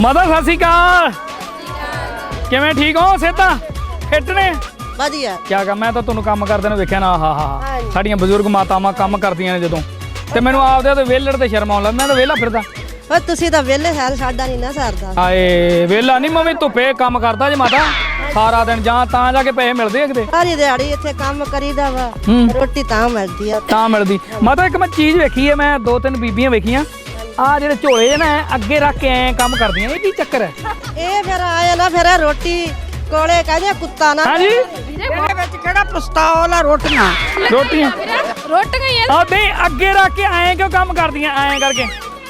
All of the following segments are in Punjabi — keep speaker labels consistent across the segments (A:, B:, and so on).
A: ਮਾਤਾ ਸਤਿ ਸ਼੍ਰੀ ਅਕਾਲ। ਕਿਵੇਂ ਠੀਕ ਹੋ? ਸਿਹਤਾਂ ਫਿੱਟ ਨੇ?
B: ਵਧੀਆ।
A: ਕਿਆ ਕਰ, ਮੈਂ ਤਾਂ ਤੁਹਾਨੂੰ ਕੰਮ ਕਰਦੇ ਨੂੰ ਵੇਖਿਆ ਨਾ। ਹਾਂ ਸਾਡੀਆਂ ਬਜ਼ੁਰਗ ਮਾਤਾਵਾਂ ਕੰਮ ਕਰਦੀਆਂ ਨੇ ਜਦੋਂ, ਤੇ ਮੈਨੂੰ ਆਪਦੇ ਤੇ ਵਿਹਲੜ ਤੇ ਸ਼ਰਮ ਆਉਣ ਲੱਗ। ਮੈਂ ਤਾਂ ਵਿਹਲਾ ਫਿਰਦਾ।
B: ਓਏ ਤੁਸੀਂ ਤਾਂ ਵਿਹਲੇ ਸਾਰ, ਸਾਡਾ ਨਹੀਂ ਨਾ ਸਰਦਾ।
A: ਹਾਏ ਵਿਹਲਾ ਨਹੀਂ, ਮੈਂ ਵੀ ਧੁੱਪੇ ਕੰਮ ਕਰਦਾ ਜੇ ਮਾਤਾ ਸਾਰਾ ਦਿਨ, ਜਾਂ ਤਾਂ ਜਾ ਕੇ ਪੈਸੇ ਮਿਲਦੇ ਆ ਕਿਤੇ।
B: ਸਾਰੀ ਦਿਹਾੜੀ ਇੱਥੇ ਕੰਮ ਕਰੀਦਾ ਵਾ, ਰੋਟੀ ਤਾਂ ਮਿਲਦੀ ਆ।
A: ਤਾਂ ਮਿਲਦੀ। ਮਾਤਾ ਇੱਕ ਮੈਂ ਚੀਜ਼ ਵੇਖੀ ਹੈ, ਮੈਂ 2-3 ਬੀਬੀਆਂ ਵੇਖੀਆਂ, ਆ ਜਿਹੜੇ ਝੋਲੇ ਨਾ ਅੱਗੇ ਰੱਖ ਕੇ ਐ ਕੰਮ ਕਰਦੀਆਂ, ਇਹ ਕੀ ਚੱਕਰ ਹੈ?
B: ਇਹ ਫਿਰ ਆਏ ਨਾ, ਫਿਰ ਰੋਟੀ ਕੋਲੇ ਕਹਿੰਦੇ ਕੁੱਤਾ ਨਾ।
A: ਹਾਂਜੀ
B: ਇਹਦੇ ਵਿੱਚ ਕਿਹੜਾ ਪਸਤੌਲ ਆ? ਰੋਟੀਆਂ
A: ਰੋਟੀਆਂ
C: ਹੀ
A: ਆ ਨਹੀਂ, ਅੱਗੇ ਰੱਖ ਕੇ ਐਂ ਕਿਉਂ ਕੰਮ ਕਰਦੀਆਂ? ਐਂ ਕਰਕੇ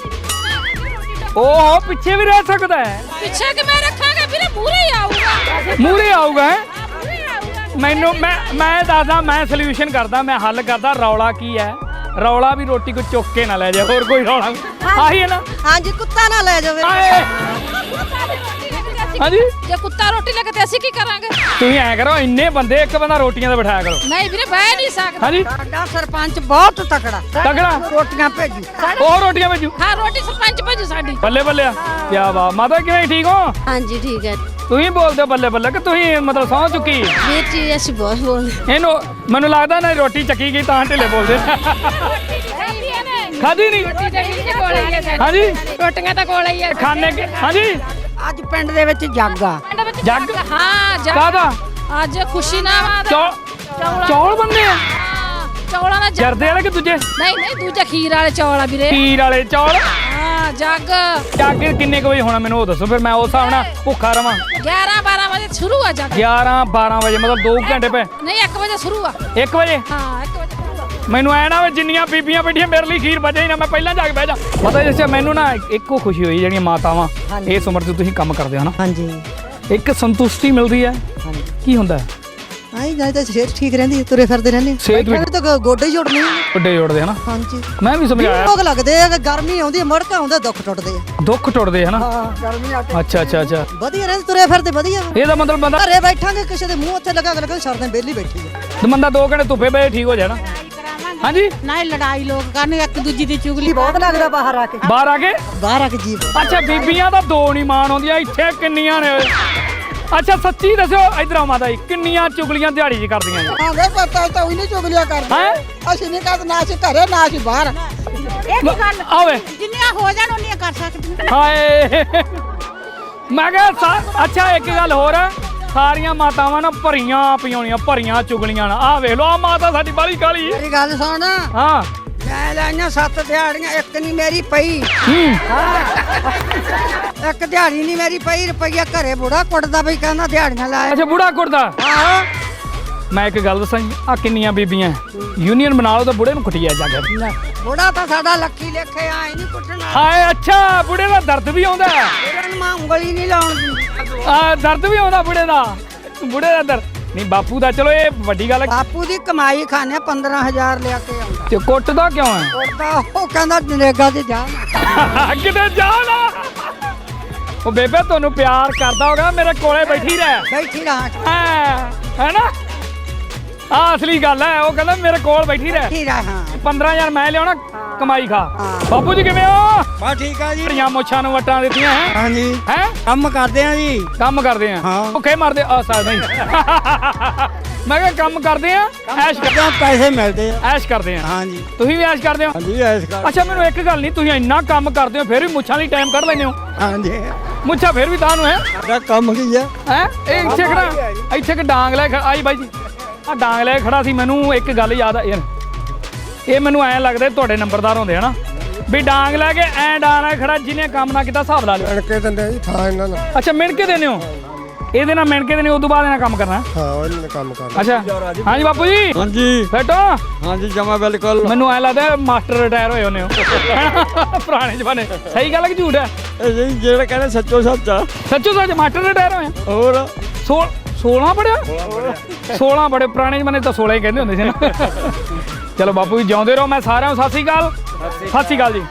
A: ਓਹੋ ਪਿੱਛੇ ਵੀ ਰਹਿ ਸਕਦਾ ਹੈ।
C: ਪਿੱਛੇ ਕਿ ਮੈਂ ਰੱਖਾਂਗਾ ਵੀਰੇ, ਮੂਰੇ ਹੀ ਆਊਗਾ।
A: ਮੂਰੇ ਆਊਗਾ ਮੈਨੂੰ। ਮੈਂ ਦੱਸਦਾ, ਮੈਂ ਸੋਲੂਸ਼ਨ ਕਰਦਾ, ਮੈਂ ਹੱਲ ਕਰਦਾ। ਰੌਲਾ ਕੀ ਹੈ? ਰੌਲਾ ਵੀ ਰੋਟੀ ਕੋ ਚੁੱਕ ਕੇ ਨਾ ਲੈ ਜਾ, ਹੋਰ ਕੋਈ ਰੌਲਾ ਆਹੀ ਹੈ ਨਾ।
B: ਹਾਂਜੀ, ਕੁੱਤਾ ਨਾ ਲੈ ਜਾਵੇ।
A: ਹਾਂਜੀ,
C: ਜੇ ਕੁੱਤਾ ਰੋਟੀ ਲੈ ਕੇ ਤੇ ਅਸੀਂ ਕੀ ਕਰਾਂਗੇ?
A: ਤੁਸੀਂ ਐਂ ਕਰੋ, ਇੰਨੇ ਬੰਦੇ ਇੱਕ ਬੰਦਾ ਰੋਟੀਆਂ ਤੇ ਬਿਠਾਇਆ ਕਰੋ।
C: ਨਹੀਂ ਵੀਰੇ, ਬਹਿ ਨਹੀਂ ਸਕਦਾ।
A: ਹਾਂਜੀ,
B: ਸਾਡਾ ਸਰਪੰਚ ਬਹੁਤ ਤਕੜਾ
A: ਤਗੜਾ।
B: ਰੋਟੀਆਂ ਭੇਜੀ।
A: ਉਹ ਰੋਟੀਆਂ ਭੇਜੂ।
C: ਹਾਂ, ਰੋਟੀ ਸਰਪੰਚ ਭੇਜੂ ਸਾਡੀ।
A: ਬੱਲੇ ਬੱਲੇ ਆ, ਕਿਆ ਬਾਤ। ਮਾਤਾ ਕਿਵੇਂ, ਠੀਕ ਹੋ?
C: ਹਾਂਜੀ ਠੀਕ ਹੈ
A: ਤੁਸੀਂ ਬੋਲਦੇ ਹੋ ਬੱਲੇ ਬੱਲੇ, ਕਿ ਤੁਸੀਂ ਮਤਲਬ ਸਹੁੰ ਚੁੱਕੀ?
C: ਵੀਰ ਜੀ, ਅਸੀਂ ਬਹੁਤ ਬੋਲਦੇ।
A: ਇਹਨੂੰ ਮੈਨੂੰ ਲੱਗਦਾ ਨਾ ਰੋਟੀ ਚੱਕੀ ਗਈ ਤਾਂ ਢਿੱਲੇ ਬੋਲਦੇ। ਖਾਦੀ ਨਹੀਂ? ਹਾਂਜੀ,
C: ਰੋਟੀਆਂ ਤਾਂ ਕੋਲ ਹੀ ਆ
A: ਖਾਣੇ ਕੇ। ਹਾਂਜੀ,
B: ਅੱਜ ਪਿੰਡ ਦੇ ਵਿੱਚ ਜੱਗ ਆ।
A: ਜੱਗ?
C: ਹਾਂ ਜੱਗ।
A: ਕਾਹਦਾ?
C: ਅੱਜ ਖੁਸ਼ੀ ਨਾ
A: ਚੌਲ ਬੰਦੇ ਆ?
C: ਚੌਲਾਂ ਦਾ ਜੱਗ।
A: ਜਰਦੇ ਵਾਲੇ ਕਿ ਦੂਜੇ?
C: ਨਹੀਂ ਦੂਜਾ ਖੀਰ ਵਾਲੇ ਚੌਲ ਆ ਵੀਰੇ।
A: ਖੀਰ ਵਾਲੇ ਚੌਲ?
C: ਹਾਂ ਜੱਗ।
A: ਜੱਗ ਕਿੰਨੇ ਕੁ ਵਜੇ ਹੋਣਾ ਮੈਨੂੰ ਉਹ ਦੱਸੋ, ਫਿਰ ਮੈਂ ਉਸ ਹਿਸਾਬ ਨਾਲ ਭੁੱਖਾ ਰਵਾਂ।
C: 11-12 ਵਜੇ ਸ਼ੁਰੂ ਆ ਜੱਗ।
A: 11-12 ਵਜੇ ਮਤਲਬ 2 ਘੰਟੇ ਪਏ?
C: ਨਹੀਂ 1 ਵਜੇ ਸ਼ੁਰੂ ਆ।
A: 1 ਵਜੇ?
C: ਹਾਂ 1 ਵਜੇ।
A: ਮੈਨੂੰ ਐ ਨਾ ਜਿੰਨੀਆਂ ਬੀਬੀਆਂ ਬੈਠੀਆਂ ਮੇਰੇ ਲਈ ਖੀਰ ਬਚੇ ਹੀ ਨਾ, ਮੈਂ ਪਹਿਲਾਂ ਜਾ ਕੇ ਬਹਿ ਜਾ। ਪਤਾ ਜਿਸ ਮੈਨੂੰ ਨਾ ਇੱਕੋ ਖੁਸ਼ੀ ਹੋਈ, ਜਿਹੜੀਆਂ ਮਾਤਾਵਾਂ ਇਸ ਉਮਰ 'ਚ ਤੁਸੀਂ ਕੰਮ ਕਰਦੇ ਹੋ ਨਾ,
B: ਹਾਂਜੀ
A: ਇੱਕ ਸੰਤੁਸ਼ਟੀ ਮਿਲਦੀ ਹੈ। ਕੀ ਹੁੰਦਾ ਹੈ?
B: ਆਈ ਜਾਈ ਤਾਂ ਸਿਹਤ ਠੀਕ ਰਹਿੰਦੀ, ਤੁਰੇ ਫਿਰਦੇ ਰਹਿੰਦੇ।
A: ਸਿਹਤ ਵੀ
B: ਤਾਂ ਗੋਡੇ ਹੀ ਜੁੜਨੇ।
A: ਵੱਡੇ ਜੋੜਦੇ ਹਨਾ।
B: ਹਾਂਜੀ,
A: ਮੈਂ ਵੀ ਸਮਝਾਇਆ।
B: ਲੋਕ ਲੱਗਦੇ ਆ ਕਿ ਗਰਮੀ ਆਉਂਦੀ, ਮੜਕਾ ਆਉਂਦਾ, ਦੁੱਖ ਟੁੱਟਦੇ ਆ।
A: ਦੁੱਖ ਟੁੱਟਦੇ ਹਨਾ।
B: ਹਾਂ, ਗਰਮੀ ਆ ਕੇ
A: ਅੱਛਾ ਅੱਛਾ ਅੱਛਾ,
B: ਵਧੀਆ ਰਹਿੰਦੇ, ਤੁਰੇ ਫਿਰਦੇ ਵਧੀਆ ਵਾ।
A: ਇਹਦਾ ਮਤਲਬ ਬੰਦਾ
B: ਘਰੇ ਬੈਠਾਂਗੇ, ਕਿਸੇ ਦੇ ਮੂੰਹ ਉੱਥੇ ਲੱਗਾ ਕੇ ਸਰਦੇ ਬੇਲੀ ਬੈਠੀ ਆ।
A: ਬੰਦਾ 2 ਘੰਟੇ ਧੁੱਪੇ ਬਹਿ ਠੀਕ ਹੋ ਜਾਣਾ। ਹਾਂਜੀ,
C: ਨਾ ਲੜਾਈ ਲੋਕ ਕਰਨ, ਇੱਕ ਦੂਜੀ ਦੀ ਚੁਗਲੀ
B: ਬਹੁਤ ਲੱਗਦਾ ਬਾਹਰ ਆ ਕੇ।
A: ਬਾਹਰ ਆ ਕੇ?
B: ਬਾਹਰ ਆ ਕੇ ਜੀਵ।
A: ਅੱਛਾ, ਬੀਬੀਆਂ ਤਾਂ 2 ਨਹੀਂ ਮਾਣ ਆਉਂਦੀਆਂ, ਇੱਥੇ ਕਿੰਨੀਆਂ ਨੇ? ਅੱਛਾ ਸੱਚੀ ਦੱਸਿਓ, ਇਧਰ ਆ ਮਾਤਾ ਜੀ, ਕਿੰਨੀਆਂ ਚੁਗਲੀਆਂ ਦਿਹਾੜੀ 'ਚ ਕਰਦੀਆਂ ਜੀ?
B: ਹਾਂ ਵੇ ਪਤਾ ਤਾਂ ਉਹੀ ਨਹੀਂ ਚੁਗਲੀਆਂ ਕਰਦੇ।
A: ਹੈ
B: ਅਸੀਂ ਨਹੀਂ ਕਰਦੇ, ਨਾ ਅਸੀਂ ਘਰੇ ਨਾ ਅਸੀਂ ਬਾਹਰ।
A: ਆਵੇ
C: ਜਿੰਨੀਆਂ ਹੋ ਜਾਣ ਉਹਨੀਆਂ ਕਰ ਸਕਦੀ।
A: ਹਾਏ, ਮੈਂ ਕਿਹਾ ਅੱਛਾ ਇੱਕ ਗੱਲ ਹੋਰ ਹੈ, ਸਾਰੀਆਂ ਮਾਤਾਵਾਂ ਨਾ ਭਰੀਆਂ ਪਿਆਉਣੀਆਂ, ਭਰੀਆਂ ਚੁਗਲੀਆਂ ਨਾ। ਆਹ ਵੇਖ ਲਓ, ਆ ਮਾਤਾ ਸਾਡੀ ਬਾਲੀ ਕਾਲੀ।
B: ਮੇਰੀ ਗੱਲ ਸੁਣ,
A: ਹਾਂ
B: ਮੈਂ ਲਾਈਆਂ 7 ਦਿਹਾੜੀਆਂ, ਇੱਕ ਨਹੀਂ ਮੇਰੀ ਪਈ। ਇੱਕ ਦਿਹਾੜੀ ਨਹੀਂ ਮੇਰੀ ਪਈ। ਰੁਪਈਆ ਘਰੇ ਬੁੜਾ ਕੁੱਟਦਾ ਬਈ, ਕਹਿੰਦਾ ਦਿਹਾੜੀਆਂ ਲਾਇਆ।
A: ਅੱਛਾ, ਬੁੜਾ ਕੁੱਟਦਾ?
B: ਆਹੋ।
A: ਮੈਂ ਇੱਕ ਗੱਲ ਦੱਸਾਂ, ਆ ਕਿੰਨੀਆਂ ਬੀਬੀਆਂ ਯੂਨੀਅਨ ਬਣਾ ਲਓ ਤਾਂ ਬੁੜੇ ਨੂੰ ਕੁੱਟਿਆ ਜਾ ਕੇ।
B: ਬੁੜਾ ਤਾਂ ਸਾਡਾ ਲੱਕੀ ਲੇਖੇ ਆਏ ਨਹੀਂ ਕੁੱਟਣਾ।
A: ਹਾਏ, ਅੱਛਾ ਬੁੜੇ ਦਾ ਦਰਦ ਵੀ ਆਉਂਦਾ?
B: ਇਹਨਾਂ ਨੂੰ ਮੈਂ ਉਂਗਲੀ ਨਹੀਂ ਲਾਉਣ ਦਿੰਦੀ।
A: ਆ ਦਰਦ ਵੀ ਆਉਂਦਾ ਬੁੜੇ ਦਾ? ਬੁੜੇ ਦਾ ਦਰਦ ਨਹੀਂ, ਬਾਪੂ ਦਾ ਚਲੋ ਇਹ ਵੱਡੀ ਗੱਲ ਹੈ।
B: ਬਾਪੂ ਦੀ ਕਮਾਈ ਖਾਣੇ 15,000 ਲਿਆ ਕੇ ਆਉਂਦਾ।
A: ਤੇ ਕੁੱਟਦਾ ਕਿਉਂ ਹੈ?
B: ਕੁੱਟਦਾ ਉਹ ਕਹਿੰਦਾ ਨਰੇਗਾ ਤੇ ਜਾ।
A: ਕਿਤੇ ਜਾ ਨਾ। ਉਹ ਬੇਬੇ ਤੁਹਾਨੂੰ ਪਿਆਰ ਕਰਦਾ ਹੋਗਾ, ਮੇਰੇ ਕੋਲੇ ਬੈਠੀ ਰਹਿ।
B: ਬੈਠੀ ਰਹਾ।
A: ਹੈ ਨਾ? ਆ ਅਸਲੀ ਗੱਲ ਹੈ, ਉਹ ਕਹਿੰਦਾ ਮੇਰੇ ਕੋਲ ਬੈਠੀ ਰਹਿ।
B: ਬੈਠੀ ਰਹਾ।
A: 15,000 ਮੈਂ ਲਿਆਉਣਾ, ਕਮਾਈ ਖਾ।
B: ਹਾਂ।
A: ਬਾਪੂ ਜੀ ਕਿਵੇਂ ਹੋ?
D: ਬਸ ਠੀਕ ਆ ਜੀ।
A: ਬੜੀਆਂ ਮੁੱਛਾਂ ਨੂੰ ਵਟਾਂ ਦਿੱਤੀਆਂ ਹੈ।
D: ਹਾਂਜੀ,
A: ਹੈ
D: ਕੰਮ ਕਰਦੇ ਆ ਜੀ।
A: ਕੰਮ ਕਰਦੇ ਆ?
D: ਹਾਂ।
A: ਭੁੱਖੇ ਮਰਦੇ ਆ ਸਾ ਨਹੀਂ। ਮੈਂ ਕਿਹਾ ਕੰਮ ਕਰਦੇ ਆ, ਐਸ਼ ਕਰਦੇ
D: ਤਾਂ ਪੈਸੇ ਮਿਲਦੇ ਆ।
A: ਐਸ਼ ਕਰਦੇ ਆ।
D: ਹਾਂਜੀ
A: ਤੁਸੀਂ ਵੀ ਐਸ਼ ਕਰਦੇ ਹੋ?
D: ਹਾਂਜੀ, ਐਸ ਕਰ।
A: ਅੱਛਾ, ਮੈਨੂੰ ਇੱਕ ਗੱਲ ਨਹੀਂ, ਤੁਸੀਂ ਇੰਨਾ ਕੰਮ ਕਰਦੇ ਹੋ ਫਿਰ ਵੀ ਮੁੱਛਾਂ ਲਈ ਟਾਈਮ ਕੱਢ ਲੈਂਦੇ ਹੋ?
D: ਹਾਂਜੀ,
A: ਮੁੱਛਾਂ ਫਿਰ ਵੀ ਤੁਹਾਨੂੰ ਹੈ?
D: ਸਾਡਾ ਕੰਮ ਕੀ ਆ?
A: ਹੈ ਇਹ ਇੱਥੇ ਖੜਾ, ਇੱਥੇ ਕਿ ਡਾਂਗ ਲੈ ਆਈ ਬਾਈ ਜੀ, ਆ ਡਾਂਗ ਲੈ ਖੜਾ ਸੀ। ਮੈਨੂੰ ਇੱਕ ਗੱਲ ਯਾਦ ਆ ਯਾਰ, ਇਹ ਮੈਨੂੰ ਐਂ ਲੱਗਦਾ ਤੁਹਾਡੇ ਨੰਬਰਦਾਰ ਹੁੰਦੇ ਹਨਾ, ਵੀ ਡਾਂਗ ਲੈ ਕੇ ਐਂ ਡਾਂਗ ਲੈ ਖੜਾ, ਜਿਹਨੇ ਕੰਮ ਨਾ ਕੀਤਾ ਹਿਸਾਬ ਲਾ ਲਿਓ।
D: ਮਿਣ ਕੇ ਦਿੰਦੇ ਜੀ ਥਾਂ ਇਹਨਾਂ ਨਾਲ।
A: ਅੱਛਾ, ਮਿਣ ਕੇ ਦੇਣੇ ਹੋ? ਇਹਦੇ ਨਾਲ ਮਿਣ ਕੇ ਦੇਣੇ, ਉਦੋਂ ਬਾਅਦ ਇਹਨਾਂ ਕੰਮ ਕਰਨਾ?
D: ਹਾਂ, ਉਹਨਾਂ ਨੇ ਕੰਮ ਕਰਨਾ।
A: ਅੱਛਾ, ਹਾਂਜੀ ਬਾਪੂ ਜੀ।
D: ਹਾਂਜੀ
A: ਬੈਠੋ।
D: ਹਾਂਜੀ, ਜਮਾ ਬਿਲਕੁਲ।
A: ਮੈਨੂੰ ਐਂ ਲੱਗਦਾ ਮਾਸਟਰ ਰਿਟਾਇਰ ਹੋਏ ਹੁੰਦੇ ਹੋ ਪੁਰਾਣੇ ਜ਼ਮਾਨੇ। ਸਹੀ ਗੱਲ ਹੈ ਕਿ ਝੂਠ ਹੈ?
D: ਇਹ ਜਿਹੜਾ ਕਹਿੰਦੇ ਸੱਚੋ ਸੱਚ ਆ।
A: ਸੱਚੋ ਸੱਚ ਮਾਸਟਰ ਰਿਟਾਇਰ ਹੋਏ?
D: ਹੋਰ
A: 16 ਪੜਿਆ? 16 ਬੜੇ ਪੁਰਾਣੇ ਜ਼ਮਾਨੇ ਤਾਂ 16 ਹੀ ਕਹਿੰਦੇ ਹੁੰਦੇ ਸੀ ਨਾ। ਚਲੋ ਬਾਪੂ ਜੀ ਜਿਉਂਦੇ ਰਹੋ। ਮੈਂ ਸਾਰਿਆਂ ਨੂੰ ਸਤਿ ਸ਼੍ਰੀ ਅਕਾਲ। ਸਤਿ ਸ਼੍ਰੀ ਅਕਾਲ ਜੀ।